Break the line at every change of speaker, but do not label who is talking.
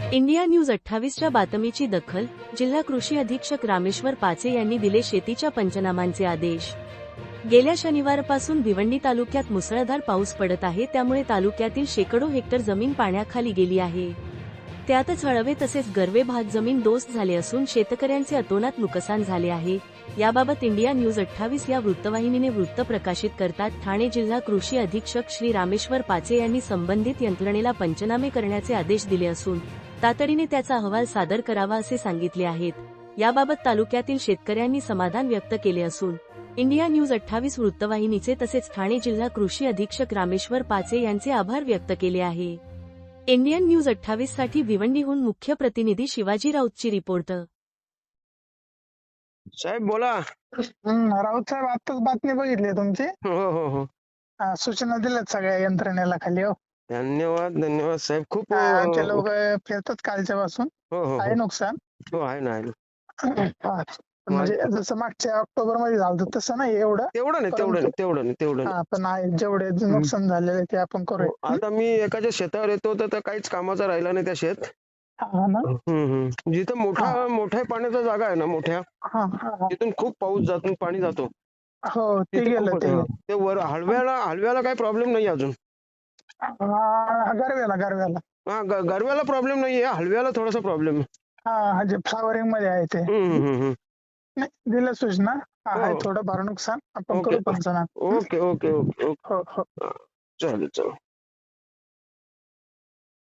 India news 28च्या बातमीची दखल. जिल्हा कृषी अधीक्षक रामेश्वर पाचे यांनी दिले शेतीच्या पंचनामांचे आदेश. गेल्या शनिवारपासून भिवंडी तालुक्यात मुसळधार पाऊस पडत आहे, त्यामुळे तालुक्यातील शेकडो हेक्टर जमीन पाण्याखाली गेली आहे. त्यातच हळवे तसेच गर्वे भाग जमीनदोस्त झाले असून शेतकऱ्यांचे अतोनात नुकसान झाले आहे. याबाबत इंडिया न्यूज 28 या वृत्तवाहिनीने वृत्त प्रकाशित करतात. ठाणे जिल्हा कृषी अधीक्षक श्री रामेश्वर पाचे यांनी संबंधित यंत्रणेला पंचनामे करण्याचे आदेश दिले असून तातडीने त्याचा अहवाल सादर करावा असे सांगितले आहेत. याबाबत तालुक्यातील शेतकऱ्यांनी समाधान व्यक्त केले असून इंडिया न्यूज 28 वृत्तवाहिनीचे तसेच ठाणे जिल्हा कृषी अधीक्षक रामेश्वर पाचे यांचे आभार व्यक्त केले आहे. इंडियन न्यूज 28 साठी भिवंडीहून मुख्य प्रतिनिधी शिवाजी राऊतची रिपोर्ट.
साहेब बोला.
राऊत साहेब, आताच बातमी बघितली तुमची.
हो हो हो.
सूचना दिल्यात सगळ्या यंत्रणेला खाली. हो,
धन्यवाद धन्यवाद साहेब. खूप
आमचे लोक फिरतात कालच्या पासून.
हो हो
आहे नुकसान.
हो आहे ना.
म्हणजे जसं मागच्या ऑक्टोबर मध्ये झालं तसं नाही एवढं.
तेवढं नाही.
पण आहे जेवढे नुकसान झालेले ते आपण करू.
आता मी एकाच्या शेतावर येतो तर काहीच कामाचा राहिला नाही त्या शेत. जिथं मोठ्या पाण्याचा जागा आहे ना, मोठ्या तिथून खूप पाणी जातो.
हो, ते गेलं
ते वर हलव्याला काही प्रॉब्लेम नाही अजून.
गरव्याला
गरव्याला प्रॉब्लेम नाहीये, हलव्याला थोडासा प्रॉब्लेम आहे.
जे फ्लावरिंग मध्ये आहे ते. नाही, दिलं सूचना. आहे थोडं फार नुकसान, आपण करू पंचनामा.
Okay okay okay okay.
हो हो.
चालेल.